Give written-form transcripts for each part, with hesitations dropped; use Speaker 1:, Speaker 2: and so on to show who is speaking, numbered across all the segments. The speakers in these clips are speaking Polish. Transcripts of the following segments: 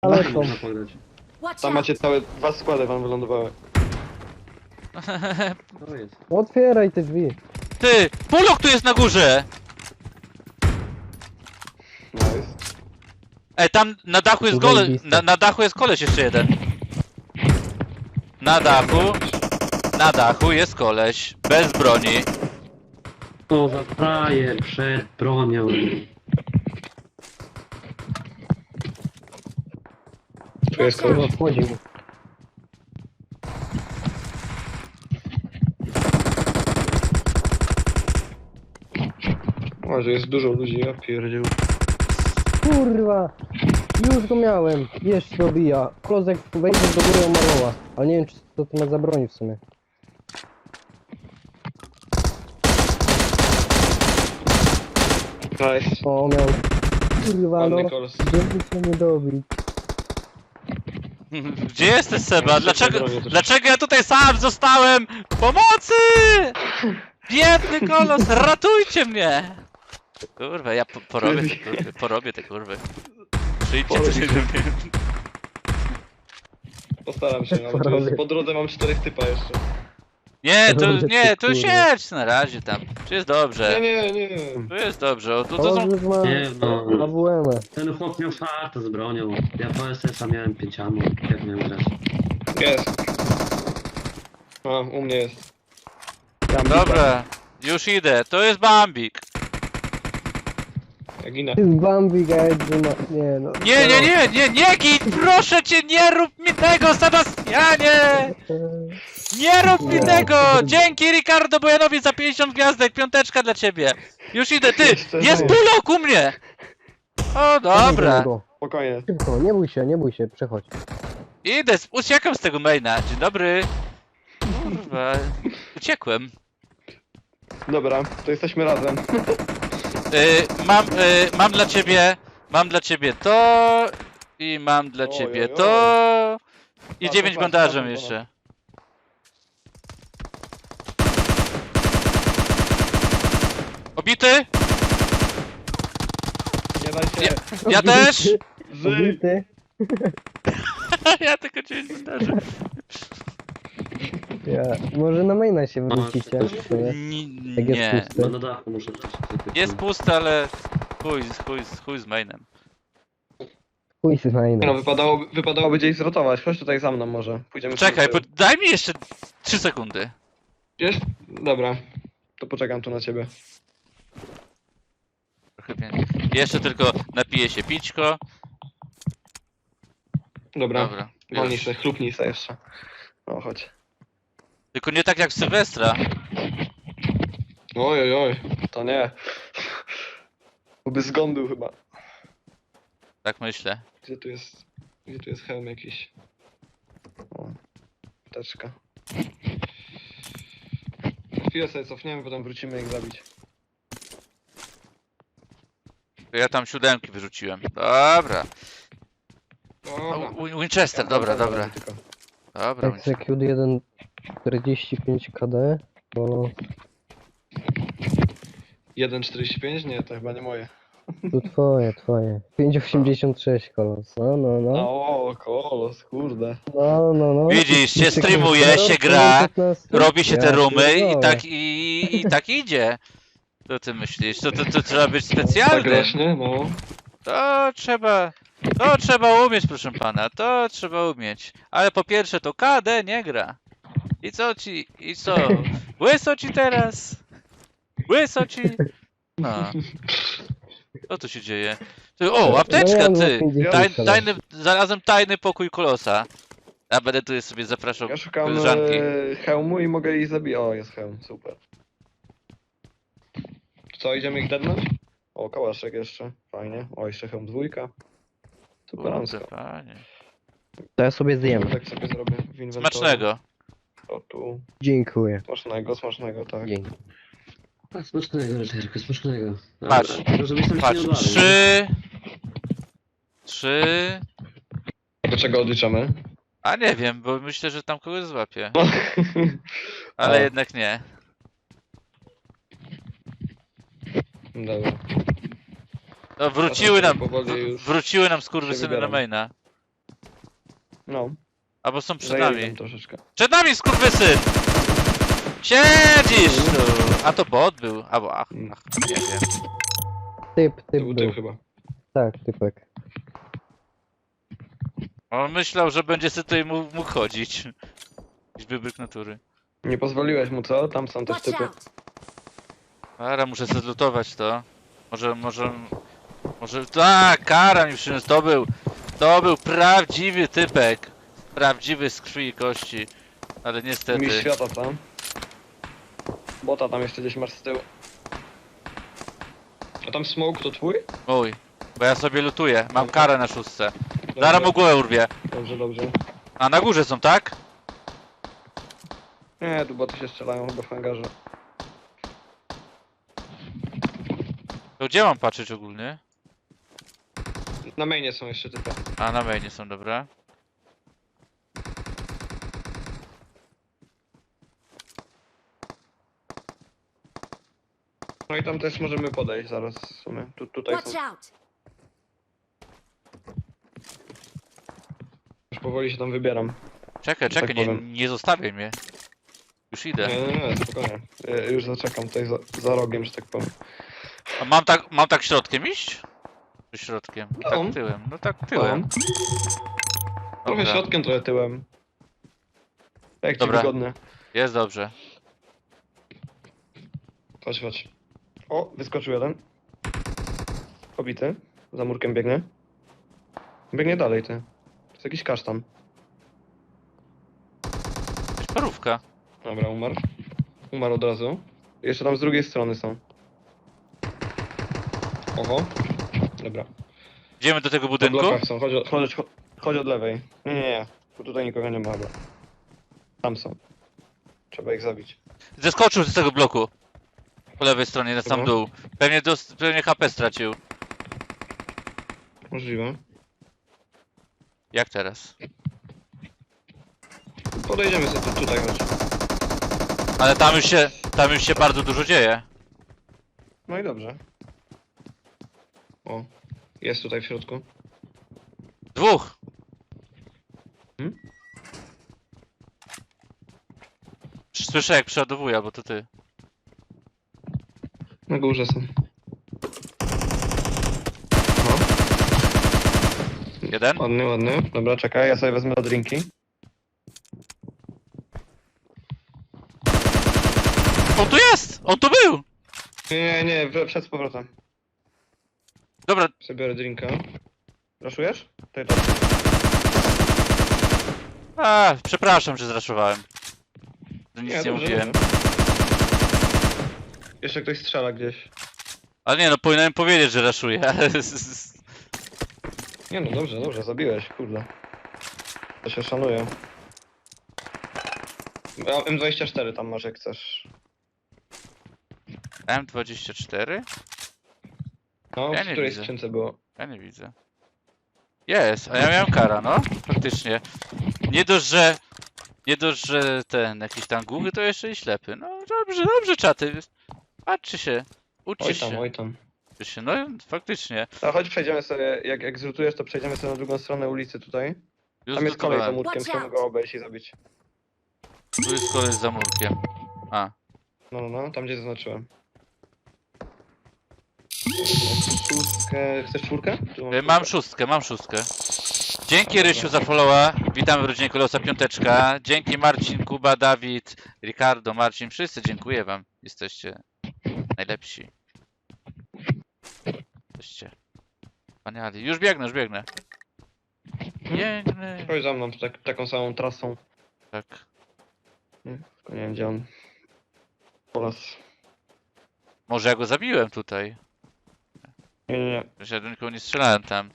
Speaker 1: Ale
Speaker 2: Dachy
Speaker 1: są.
Speaker 2: można pograć.
Speaker 3: Watch
Speaker 4: Tam
Speaker 3: out!
Speaker 4: macie całe dwa składy wam wylądowały.
Speaker 2: To jest.
Speaker 1: Otwieraj te drzwi.
Speaker 5: Ty! Polok tu jest na górze!
Speaker 4: Nice.
Speaker 5: Ej, tam na dachu jest koleś.
Speaker 1: Zajebiste.
Speaker 5: Na dachu jest koleś jeszcze jeden. Na dachu. Na dachu jest koleś. Bez broni.
Speaker 2: To za frajer przed bronią.
Speaker 4: Tu jest
Speaker 1: Kurwa,
Speaker 4: kogoś.
Speaker 1: wchodził.
Speaker 4: Może jest dużo ludzi, ja pierdził.
Speaker 1: Kurwa. Już go miałem. Jeszcze dobija. Klozek wejdzie do góry omalowa. Ale nie wiem, czy to ma za broń w sumie.
Speaker 4: Nice.
Speaker 1: O, miał. Kurwa,
Speaker 4: Ładny
Speaker 1: no.
Speaker 4: kolos.
Speaker 1: Żeby się nie dobić.
Speaker 5: Gdzie jesteś, Seba?
Speaker 4: Bronię troszkę.
Speaker 5: Dlaczego ja tutaj sam zostałem? Pomocy! Biedny kolos, ratujcie mnie! Kurwa, ja porobię te kurwy, porobię te kurwy. Przyjdźcie
Speaker 4: Porobię.
Speaker 5: coś do mnie.
Speaker 4: Postaram się, ale tu jest, po drodze mam 4 typa jeszcze.
Speaker 5: Nie, tu
Speaker 1: Kurwa.
Speaker 5: siedź na razie tam. Tu jest dobrze.
Speaker 4: Nie.
Speaker 5: Tu jest dobrze. O, tu są...
Speaker 1: Klozek ma
Speaker 2: Nie no.
Speaker 1: AWM.
Speaker 2: Ten chłop miał farta z bronią. Ja po SS-a miałem 5 ammo. Jak miałem grać?
Speaker 4: Jest. A, u mnie jest.
Speaker 5: Dobra, już idę. To jest Bambik.
Speaker 4: Ja ginę.
Speaker 1: Ty z Bambi, gajdzie ma... Nie no.
Speaker 5: Nie git! Proszę cię, nie rób mi tego, Sebastianie! Nie rób mi tego! Dzięki Ricardo Bojanowi za 50 gwiazdek, piąteczka dla ciebie. Już idę, ty! Jest Bulok u mnie! O, dobra.
Speaker 4: Spokojnie.
Speaker 1: Szybko, nie bój się, przechodź.
Speaker 5: Idę, uciekam z tego maina. Dzień dobry. Kurwa, uciekłem.
Speaker 4: Dobra, to jesteśmy razem.
Speaker 5: Mam dla ciebie to i mam dla
Speaker 4: Oj,
Speaker 5: ciebie
Speaker 4: oj, oj.
Speaker 5: to i
Speaker 4: Patrz,
Speaker 5: 9
Speaker 4: patrz,
Speaker 5: bandażem
Speaker 4: patrz,
Speaker 5: jeszcze. Obity?
Speaker 4: Nie daj się.
Speaker 5: Ja też?
Speaker 4: Żyj.
Speaker 1: Obity.
Speaker 5: Ja tylko 9 bandaży.
Speaker 1: Ja. Może na maina się wrócicie. w sumie. Jak jest
Speaker 5: Nie.
Speaker 1: pusty.
Speaker 2: No na dachu muszę grać.
Speaker 5: Jest pusty, ale chuj z mainem.
Speaker 1: Chuj z
Speaker 4: No,
Speaker 1: maina.
Speaker 4: wypadałoby gdzieś zrotować. Chodź tutaj za mną może. Pójdziemy
Speaker 5: Czekaj,
Speaker 4: sobie.
Speaker 5: daj mi jeszcze 3 sekundy.
Speaker 4: Wiesz? Dobra. To poczekam tu na ciebie.
Speaker 5: Trochę więcej. Jeszcze tylko napiję się pićko.
Speaker 4: Dobra.
Speaker 5: Dobra.
Speaker 4: Wolnij
Speaker 5: już.
Speaker 4: się, chlupnij się jeszcze. No chodź.
Speaker 5: Tylko nie tak jak w Sylwestra.
Speaker 4: Oj. To nie. Byłby zgon był chyba.
Speaker 5: Tak myślę.
Speaker 4: Gdzie tu jest hełm jakiś? O. Teczka. Chwilę sobie cofniemy, potem wrócimy ich zabić.
Speaker 5: Ja tam 7 wyrzuciłem. Dobra.
Speaker 4: Dobra.
Speaker 5: Winchester, dobra.
Speaker 4: Tylko.
Speaker 5: Dobra, Winchester.
Speaker 1: Execute 1 45 KD. Bo
Speaker 4: 1,45? Nie, to chyba nie moje.
Speaker 1: tu twoje. 5,86 kolos. No.
Speaker 4: O, kolos, kurde.
Speaker 1: No.
Speaker 5: Widzisz, się
Speaker 1: Ty
Speaker 5: streamuje,
Speaker 1: kurwa,
Speaker 5: się gra,
Speaker 1: 15?
Speaker 5: robi się te
Speaker 1: Ja
Speaker 5: rumy i
Speaker 1: pierdolę.
Speaker 5: tak i tak idzie. Co ty myślisz? To trzeba być
Speaker 4: Tak
Speaker 5: specjalny.
Speaker 4: rośnie, no.
Speaker 5: To trzeba umieć, proszę pana, to trzeba umieć. Ale po pierwsze to KD nie gra. I co? Łyso ci teraz? Łyso ci? No. Co tu się dzieje? O, apteczka,
Speaker 1: No ja
Speaker 5: ty!
Speaker 1: mam 50
Speaker 5: Znalazłem tajny pokój kolosa. A będę tu sobie zapraszał
Speaker 4: Ja szukam
Speaker 5: koleżanki.
Speaker 4: hełmu i mogę jej zabić. O, jest hełm, super. Co, idziemy ich dednąć? O, kałaszek jeszcze, fajnie. O, jeszcze hełm dwójka. Superancko.
Speaker 5: Kurde, panie.
Speaker 1: To ja sobie zjem.
Speaker 4: Tak sobie zrobię w inwentorze.
Speaker 5: Smacznego.
Speaker 4: O, tu.
Speaker 1: Dziękuję.
Speaker 4: Smacznego, tak.
Speaker 1: Dzięki.
Speaker 2: A, smacznego, Rycerku, smacznego.
Speaker 5: Patrz,
Speaker 2: Tylko żebyś tam się
Speaker 5: Patrz,
Speaker 2: nie odwalił.
Speaker 5: 3.
Speaker 4: Do czego odliczamy?
Speaker 5: A nie wiem, bo myślę, że tam kogoś złapie. Ale
Speaker 4: O.
Speaker 5: jednak nie.
Speaker 4: Dobra.
Speaker 5: No, wróciły nam
Speaker 4: Powoli już
Speaker 5: skurwysyny
Speaker 4: się
Speaker 5: na
Speaker 4: wybieram.
Speaker 5: maina.
Speaker 4: No,
Speaker 5: Albo są przed
Speaker 4: zajęli
Speaker 5: nami.
Speaker 4: nam troszeczkę.
Speaker 5: Przed nami, skurwysyn! Siedzisz tu! A to bot był, albo ach, nie wiem.
Speaker 1: Typ
Speaker 4: To był
Speaker 1: był.
Speaker 4: typ chyba.
Speaker 1: Tak, typek.
Speaker 5: On myślał, że będzie sobie tutaj mógł chodzić. Jakiś wybryk natury.
Speaker 4: Nie pozwoliłeś mu, co? Tam są też
Speaker 3: Watch
Speaker 4: typy.
Speaker 3: out!
Speaker 5: Ara, muszę sobie zlutować to. Może... Tak, Kara mi przyniósł, to był prawdziwy typek. Prawdziwy z krwi i kości. Ale
Speaker 4: Mistrz
Speaker 5: niestety...
Speaker 4: świata tam. Bota tam jeszcze gdzieś masz z tyłu. A tam smoke to twój?
Speaker 5: Mój. Bo ja sobie lutuję, mam
Speaker 4: Dobra.
Speaker 5: karę na szóstce.
Speaker 4: Dobrze,
Speaker 5: Zaraz mu głowę urwie.
Speaker 4: Dobrze, dobrze.
Speaker 5: A na górze są, tak?
Speaker 4: Nie, tu boty się strzelają chyba w hangarze.
Speaker 5: To gdzie mam patrzeć ogólnie?
Speaker 4: Na mainie są jeszcze typy.
Speaker 5: A, na mainie są, dobra.
Speaker 4: No i tam też możemy podejść zaraz w sumie. Tutaj
Speaker 3: Watch
Speaker 4: są.
Speaker 3: out!
Speaker 4: Już powoli się tam wybieram.
Speaker 5: Czekaj,
Speaker 4: Tak
Speaker 5: czekaj,
Speaker 4: powiem.
Speaker 5: nie zostawiaj mnie. Już idę.
Speaker 4: Nie, spokojnie. Już zaczekam tutaj za rogiem, że tak powiem.
Speaker 5: A mam tak środkiem iść? Czy środkiem? No
Speaker 4: No.
Speaker 5: tak tyłem, no tak tyłem.
Speaker 4: Mam. Trochę
Speaker 5: Dobra.
Speaker 4: środkiem, trochę tyłem. Jak ci
Speaker 5: Dobra.
Speaker 4: wygodnie.
Speaker 5: Jest dobrze.
Speaker 4: Chodź, chodź. O, wyskoczył jeden. Pobity. Za murkiem biegnie. Biegnie dalej, ty. To jest jakiś kasztan.
Speaker 5: Jakaś parówka.
Speaker 4: Dobra, umarł. Umarł od razu. Jeszcze tam z drugiej strony są. Oho. Dobra.
Speaker 5: Idziemy do tego
Speaker 4: W
Speaker 5: budynku?
Speaker 4: blokach są. Chodź od lewej. Nie. Bo tutaj nikogo nie ma chyba. Tam są. Trzeba ich zabić.
Speaker 5: Zeskoczył z tego bloku. Po lewej stronie, na sam
Speaker 4: Dobra.
Speaker 5: dół. Pewnie HP stracił.
Speaker 4: Możliwe.
Speaker 5: Jak teraz?
Speaker 4: Podejdziemy sobie tutaj, chodź.
Speaker 5: Ale tam już się bardzo dużo dzieje.
Speaker 4: No i dobrze. O. Jest tutaj w środku.
Speaker 5: Dwóch!
Speaker 4: Hmm?
Speaker 5: Słyszę jak przeładowuje, albo to ty.
Speaker 4: Na górze są. No.
Speaker 5: Jeden?
Speaker 4: Ładny, ładny. Dobra, czekaj, ja sobie wezmę drinki.
Speaker 5: On tu jest! On tu był!
Speaker 4: Nie, przed z powrotem.
Speaker 5: Dobra,
Speaker 4: Sobie biorę drinka. Raszujesz? Tutaj tak.
Speaker 5: przepraszam, że zraszowałem. Że nic nie
Speaker 4: dobrze,
Speaker 5: mówiłem.
Speaker 4: dobrze. Jeszcze ktoś strzela gdzieś.
Speaker 5: Ale nie no, powinienem powiedzieć, że raszuję.
Speaker 4: Nie no, dobrze, zabiłeś, kurde. To się szanuje. A M24 tam masz jak chcesz.
Speaker 5: M24?
Speaker 4: No,
Speaker 5: Ja
Speaker 4: w
Speaker 5: nie
Speaker 4: której
Speaker 5: widzę.
Speaker 4: skrzynce było?
Speaker 5: Ja nie widzę. Jest, a ja miałem kara, no. Faktycznie. Nie dość, że ten jakiś tam głuchy, to jeszcze i ślepy. No dobrze, czaty. Patrzcie się. Uczcie się.
Speaker 4: Oj tam.
Speaker 5: Uczcie się. No faktycznie.
Speaker 4: A chodź przejdziemy sobie, jak zrutujesz, to przejdziemy sobie na drugą stronę ulicy tutaj.
Speaker 5: Już
Speaker 4: Tam jest kolej za
Speaker 5: zlutowałem.
Speaker 4: murkiem,
Speaker 3: Watch
Speaker 4: chcemy
Speaker 3: out.
Speaker 4: go obejść i zabić.
Speaker 5: Tu jest kolej za murkiem. A.
Speaker 4: No, tam gdzie zaznaczyłem. Szóstkę, chcesz czwórkę? Tu
Speaker 5: Mam szóstkę. Dzięki Rysiu za followa. Witamy w rodzinie Kolosa Piąteczka. Dzięki Marcin, Kuba, Dawid, Ricardo, Marcin. Wszyscy dziękuję wam. Jesteście najlepsi. Jesteście wspaniali. Już biegnę. Biegnę.
Speaker 4: Chodź za mną, taką samą trasą.
Speaker 5: Tak.
Speaker 4: Nie, tylko nie wiem gdzie on. Polas.
Speaker 5: Może ja go zabiłem tutaj.
Speaker 4: Nie.
Speaker 5: Że ja do nikogo nie strzelałem tam.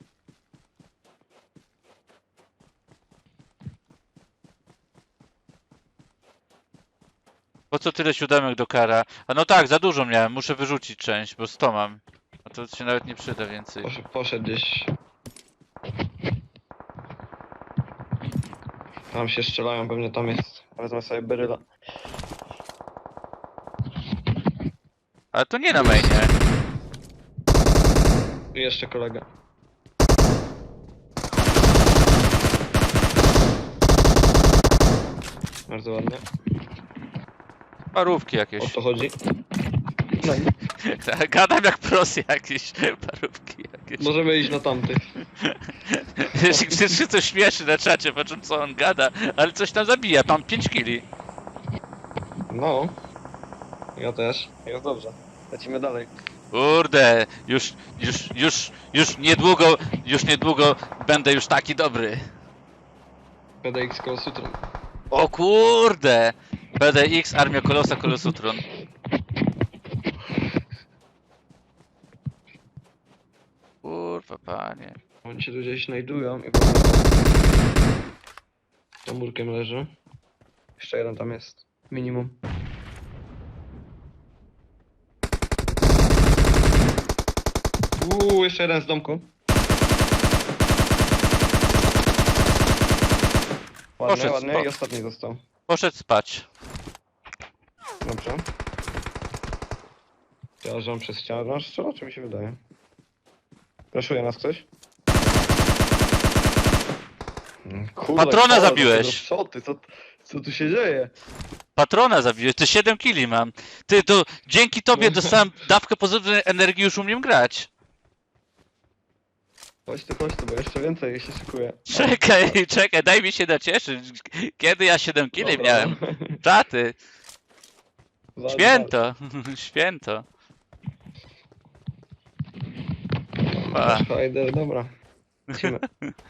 Speaker 5: Po co tyle siódemek do kara? A no tak, za dużo miałem, muszę wyrzucić część, bo 100 mam. A to się nawet nie przyda więcej.
Speaker 4: Poszedł gdzieś. Tam się strzelają, pewnie tam jest. Wezmę sobie beryla.
Speaker 5: Ale to nie na mainie.
Speaker 4: I jeszcze kolega. Bardzo ładnie.
Speaker 5: Parówki
Speaker 4: O
Speaker 5: jakieś.
Speaker 4: to chodzi. No i
Speaker 5: Gadam jak pros jakiś. Parówki jakieś.
Speaker 4: możemy iść na tamtych.
Speaker 5: Przecież się coś śmieszy na czacie, patrzą co on gada, ale coś tam zabija, mam 5 kili.
Speaker 4: No. Ja też. Jest dobrze. Lecimy dalej.
Speaker 5: Kurde, już niedługo będę już taki dobry.
Speaker 4: PDX koło sutrum.
Speaker 5: O kurde! PDX, Armia Kolosa, Kolosutron. Kurwa panie.
Speaker 4: Oni się tu gdzieś znajdują i za murkiem leży. Jeszcze jeden tam jest. Minimum. Jeszcze jeden z domku. Ładnie,
Speaker 5: Poszedł
Speaker 4: ładnie.
Speaker 5: spać.
Speaker 4: I ostatni został.
Speaker 5: Poszedł spać.
Speaker 4: Dobrze. Przejeżdżam przez ścianę. No, strzela, czy mi się wydaje? Raszuje nas ktoś? Kurde,
Speaker 5: Patrona
Speaker 4: kole,
Speaker 5: zabiłeś.
Speaker 4: to szoty, co tu się dzieje?
Speaker 5: Patrona zabiłeś, ty 7 kili mam. Ty to dzięki tobie
Speaker 4: No.
Speaker 5: dostałem dawkę pozytywnej energii, już umiem grać.
Speaker 4: Chodź tu, bo jeszcze więcej się szykuje.
Speaker 5: Czekaj, daj mi się nacieszyć. Kiedy ja 7 kili
Speaker 4: Dobra.
Speaker 5: miałem? Czaty,
Speaker 4: Walcz,
Speaker 5: święto, święto.
Speaker 4: walcz. Fajder, dobra. Lecimy.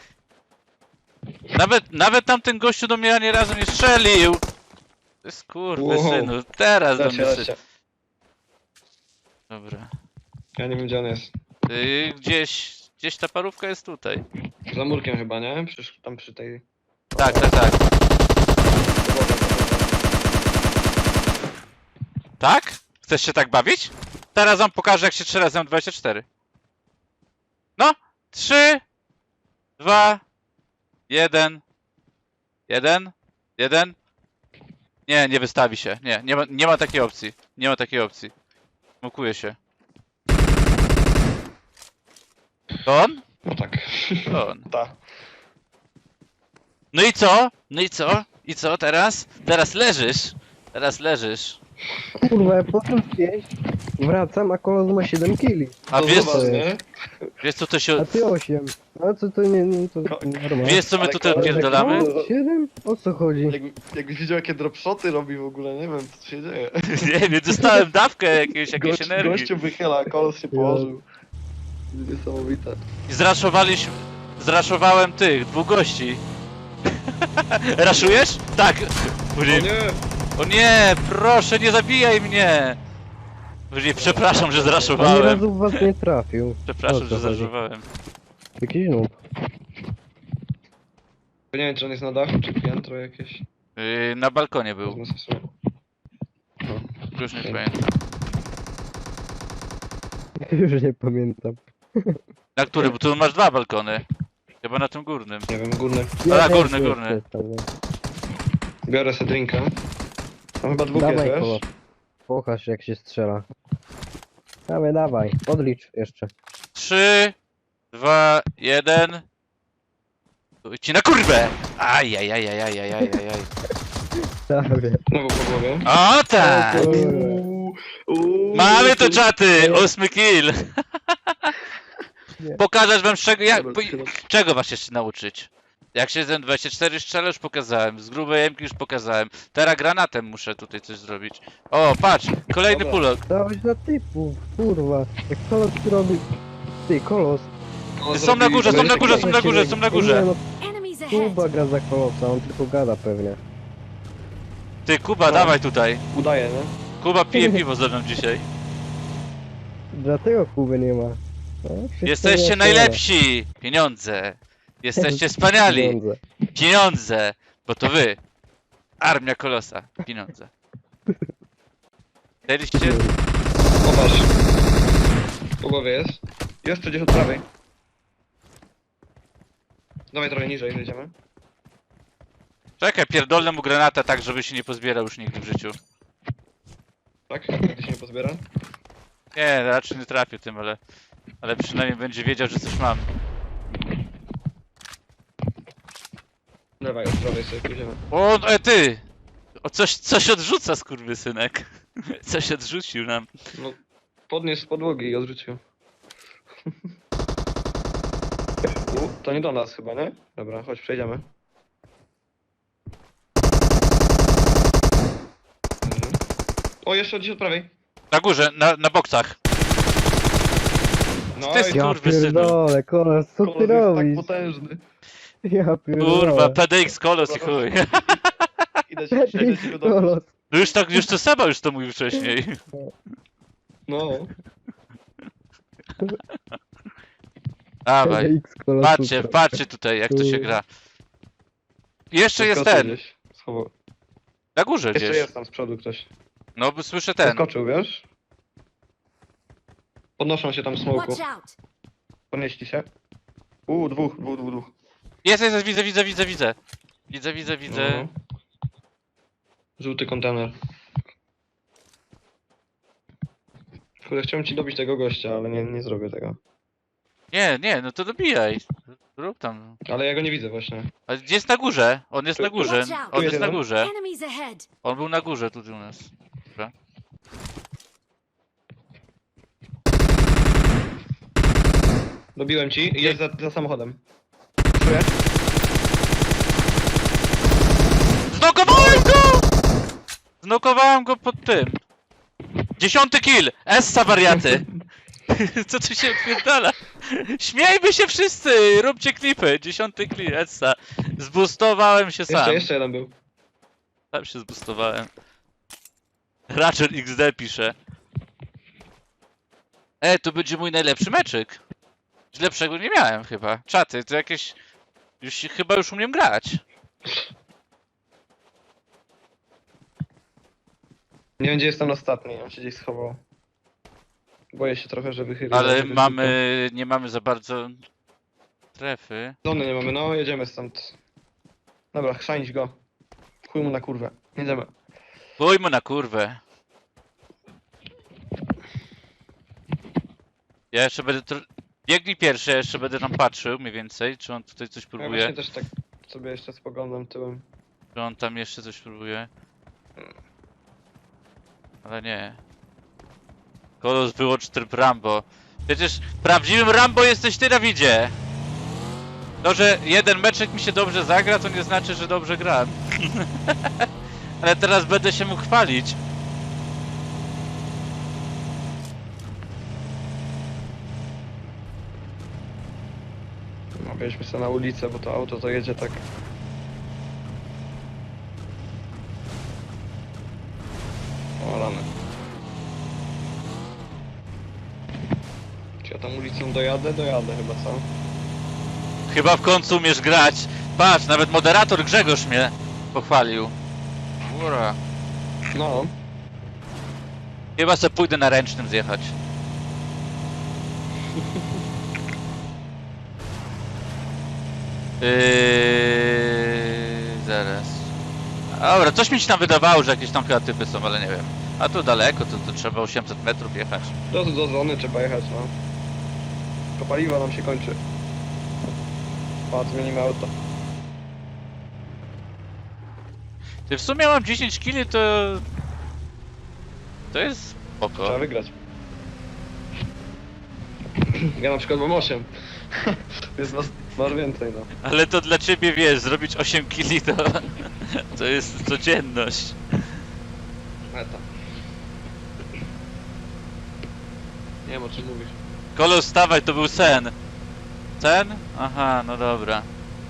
Speaker 5: Nawet tamten gościu do mnie ani razu nie strzelił. To jest synu, teraz do mnie
Speaker 4: Lecie.
Speaker 5: strzelił. Dobra.
Speaker 4: Ja nie wiem, gdzie on jest.
Speaker 5: Gdzieś ta parówka jest tutaj.
Speaker 4: Za murkiem chyba, nie? Przecież tam przy tej...
Speaker 5: Tak. Tak? Chcesz się tak bawić? Teraz wam pokażę jak się strzela z M24. No! 3, 2, 1. 1. Nie wystawi się. Nie ma takiej opcji. Nie ma takiej opcji. Smokuje się. To on?
Speaker 4: No tak.
Speaker 5: To on.
Speaker 4: Ta.
Speaker 5: No i co? I co teraz? Teraz leżysz.
Speaker 1: Kurwa, ja potem 5 wracam, a kolos ma 7 kili.
Speaker 5: A
Speaker 4: To
Speaker 5: wiesz,
Speaker 4: zobacz, nie?
Speaker 5: wiesz co to
Speaker 1: A
Speaker 5: się...
Speaker 1: ty 8. A co to nie, to normalne.
Speaker 5: Wiesz co my
Speaker 4: Ale
Speaker 5: tutaj
Speaker 4: koleś-
Speaker 5: odpierdolamy?
Speaker 1: 7? O co chodzi?
Speaker 4: Jakbyś widział, jakie dropshoty robi w ogóle, nie wiem, co się dzieje.
Speaker 5: Nie wiem, dostałem dawkę jakiejś energii.
Speaker 4: Gościu wychyla, kolos się położył. Niesamowite.
Speaker 5: I zraszowałem tych, 2 gości. Raszujesz? Tak.
Speaker 4: O nie!
Speaker 5: O nie, proszę, nie zabijaj mnie. Przepraszam, że
Speaker 1: Ani
Speaker 5: zraszowałem.
Speaker 1: razu w was nie trafił.
Speaker 5: Przepraszam,
Speaker 1: O co
Speaker 5: że
Speaker 1: chodzi?
Speaker 5: zraszowałem.
Speaker 1: Jakiś noob.
Speaker 4: Nie wiem, czy on jest na dachu, czy piętro jakieś.
Speaker 5: Na balkonie był.
Speaker 4: Wezmę sobie. No.
Speaker 5: Już nie pamiętam.
Speaker 1: Już nie pamiętam.
Speaker 5: Na który? Bo tu masz 2 balkony. Chyba na tym górnym.
Speaker 4: Nie wiem, górny.
Speaker 5: A,
Speaker 1: też
Speaker 5: górny.
Speaker 1: jestem, nie?
Speaker 4: Biorę sobie drinka. Tam chyba dwóch
Speaker 1: Dawaj
Speaker 4: jest,
Speaker 1: kolos.
Speaker 4: wiesz?
Speaker 1: Pokaż jak się strzela. Dawaj. Odlicz jeszcze.
Speaker 5: 3, 2, 1. Ci na kurwę! Ajajajajajajajajaj.
Speaker 1: Dawaj.
Speaker 4: Znowu po głowie.
Speaker 5: O tak!
Speaker 1: O kurwa.
Speaker 5: Mamy to czaty! 8 kill!
Speaker 1: Nie.
Speaker 5: Pokażesz wam
Speaker 4: Dobra,
Speaker 5: czego was jeszcze nauczyć? Jak się z M24 strzela już pokazałem, z grubej jemki już pokazałem. Teraz granatem muszę tutaj coś zrobić. O, patrz! Kolejny
Speaker 4: Dobra.
Speaker 5: pulok.
Speaker 1: Dałeś na typów, kurwa. Jak kolos robi... Ty, kolos.
Speaker 5: Są na górze, są na górze, są na górze, są na
Speaker 1: Nie,
Speaker 5: górze.
Speaker 1: no,
Speaker 3: Enemies ahead.
Speaker 1: Kuba gra za kolosa, on tylko gada pewnie.
Speaker 5: Ty, Kuba, dawaj tutaj.
Speaker 4: Udaje, nie?
Speaker 5: Kuba pije piwo ze mną dzisiaj.
Speaker 1: Dlatego Kuby nie ma. No, wszystko
Speaker 5: Jesteście
Speaker 1: jest
Speaker 5: najlepsi! Pieniądze! Jesteście wspaniali!
Speaker 1: pieniądze.
Speaker 5: Pieniądze! Bo to wy! Armia Kolosa! Pieniądze! Chcieliście?
Speaker 4: Popatrz. Po głowie jest. Jest tu gdzieś od prawej. Dawaj trochę niżej, zejdziemy.
Speaker 5: Czekaj, pierdolę mu granatę tak, żeby się nie pozbierał już nigdy w życiu.
Speaker 4: Tak? Gdy się nie pozbiera.
Speaker 5: Nie, raczej nie trafię tym, ale przynajmniej będzie wiedział, że coś mam.
Speaker 4: Dawaj, od prawej sobie pójdziemy.
Speaker 5: O, ty! O, coś odrzuca, skurwysynek. Coś odrzucił nam.
Speaker 4: No, podniósł z podłogi i odrzucił. To nie do nas chyba, nie? Dobra, chodź, przejdziemy. O, jeszcze gdzieś od prawej.
Speaker 5: Na górze, na boksach.
Speaker 4: No
Speaker 5: Ty
Speaker 4: i
Speaker 5: skur-
Speaker 1: Ja
Speaker 5: Kurwysynu.
Speaker 1: pierdolę, kolos, co
Speaker 4: kolor
Speaker 1: ty
Speaker 4: jest tak
Speaker 1: robisz?
Speaker 4: potężny.
Speaker 1: Ja pierdolę.
Speaker 5: Kurwa, PDX Kolos i chuj.
Speaker 4: Idę ci go dobić.
Speaker 1: Kolos.
Speaker 5: No już to Seba już to mówił wcześniej.
Speaker 4: No.
Speaker 5: Dawaj.
Speaker 1: TDX Kolos,
Speaker 5: Patrzcie,
Speaker 1: super.
Speaker 5: patrzcie tutaj jak to się gra. Jeszcze jest
Speaker 4: Wyskoczył
Speaker 5: ten.
Speaker 4: gdzieś. Schował.
Speaker 5: Na górze
Speaker 4: Jeszcze
Speaker 5: gdzieś.
Speaker 4: jest tam z przodu ktoś.
Speaker 5: No bo słyszę ten.
Speaker 4: Wyskoczył, wiesz? Podnoszą się tam smoku.
Speaker 3: Watch out!
Speaker 4: Podnieśli się. Dwóch.
Speaker 5: Jest, widzę. Widzę.
Speaker 4: No. Żółty kontener. Kurde, chciałem ci dobić tego gościa, ale nie zrobię tego.
Speaker 5: Nie, no to dobijaj. Rób tam.
Speaker 4: Ale ja go nie widzę właśnie.
Speaker 5: Ale gdzie jest na górze? On jest na górze.
Speaker 3: Watch out.
Speaker 5: On jest na
Speaker 4: Jeden.
Speaker 5: górze.
Speaker 3: Enemies ahead!
Speaker 5: On był na górze tu u nas. Dobra.
Speaker 4: Dobiłem ci i jest za samochodem. Czuję?
Speaker 5: Znokowałem go! Znokowałem go pod tym. 10 kill! Essa wariaty! Co tu się odpierdala? Śmiejmy się wszyscy! Róbcie klipy! 10 kill, Essa. Zboostowałem się sam.
Speaker 4: Jeszcze jeden był.
Speaker 5: Sam się zboostowałem. Ratchet XD pisze. To będzie mój najlepszy meczyk. Lepszego nie miałem chyba. Czaty, to jakieś... Chyba już umiem grać.
Speaker 4: Nie wiem, gdzie jest ten ostatni, on się gdzieś schował. Boję się trochę, że wychylił.
Speaker 5: Ale nie mamy za bardzo trefy.
Speaker 4: Zony nie mamy, no jedziemy stąd. Dobra, chrzanić go. Chuj mu na kurwę. Jedziemy.
Speaker 5: Pójmy na kurwę. Ja jeszcze będę... Biegnij pierwszy, ja jeszcze będę tam patrzył mniej więcej, czy on tutaj coś
Speaker 4: Ja
Speaker 5: próbuje.
Speaker 4: właśnie też tak sobie jeszcze spoglądam tyłem.
Speaker 5: Czy on tam jeszcze coś próbuje. Ale nie. Kolos wyłącz tryb Rambo. Przecież prawdziwym Rambo jesteś ty, Dawidzie! To, że jeden meczek mi się dobrze zagra, to nie znaczy, że dobrze gram. Ale teraz będę się mógł chwalić.
Speaker 4: No, wjeźdźmy sobie na ulicę, bo to auto to jedzie tak. O, rany. Czy ja tam ulicą dojadę? Dojadę chyba, co?
Speaker 5: Chyba w końcu umiesz grać. Patrz, nawet moderator Grzegorz mnie pochwalił. Ura.
Speaker 4: No.
Speaker 5: Chyba se pójdę na ręcznym zjechać. Zaraz. Dobra, coś mi się tam wydawało, że jakieś tam chyba typy są, ale nie wiem. A tu daleko, to trzeba 800 metrów jechać.
Speaker 4: Do zony trzeba jechać, no. To paliwo nam się kończy. Patrz, zmienimy auto.
Speaker 5: Ty w sumie mam 10 kili, to... To jest spoko.
Speaker 4: Trzeba wygrać. Ja na przykład mam 8. Jest masz więcej, no.
Speaker 5: Ale to dla ciebie, wiesz, zrobić 8 kili to... To jest codzienność.
Speaker 4: Meta. Nie wiem, o czym mówisz.
Speaker 5: Kolos, wstawaj, to był sen. Sen? Aha, no dobra.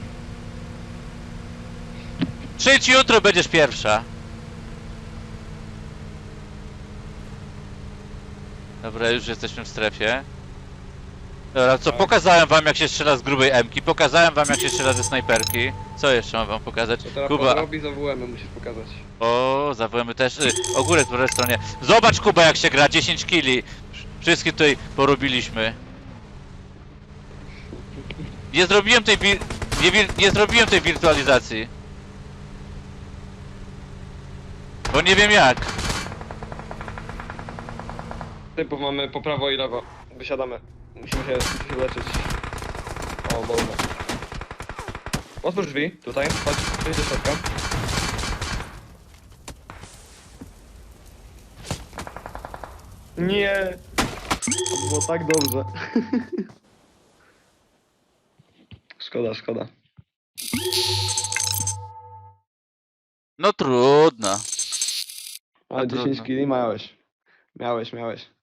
Speaker 5: Przyjdź jutro, będziesz pierwsza. Dobra, już jesteśmy w strefie. Dobra, co, pokazałem wam jak się strzela z grubej M-ki, pokazałem wam jak się strzela ze snajperki. Co jeszcze mam wam pokazać?
Speaker 4: To teraz
Speaker 5: Kuba,
Speaker 4: robi za WM musisz pokazać.
Speaker 5: o, zawołamy też. Ogórek po prawej stronie. Zobacz, Kuba, jak się gra, 10 kili. Wszystkie tutaj porobiliśmy. Nie zrobiłem tej nie zrobiłem tej wirtualizacji. Bo nie wiem jak.
Speaker 4: Typów mamy po prawo i lewo. Wysiadamy. Musimy się leczyć. O, Boże. Otwórz drzwi, tutaj. Chodź, przejdź do środka. Nie! To było tak dobrze. Szkoda, szkoda.
Speaker 5: No trudno.
Speaker 4: Ale
Speaker 5: trudno.
Speaker 4: 10 kili miałeś. Miałeś.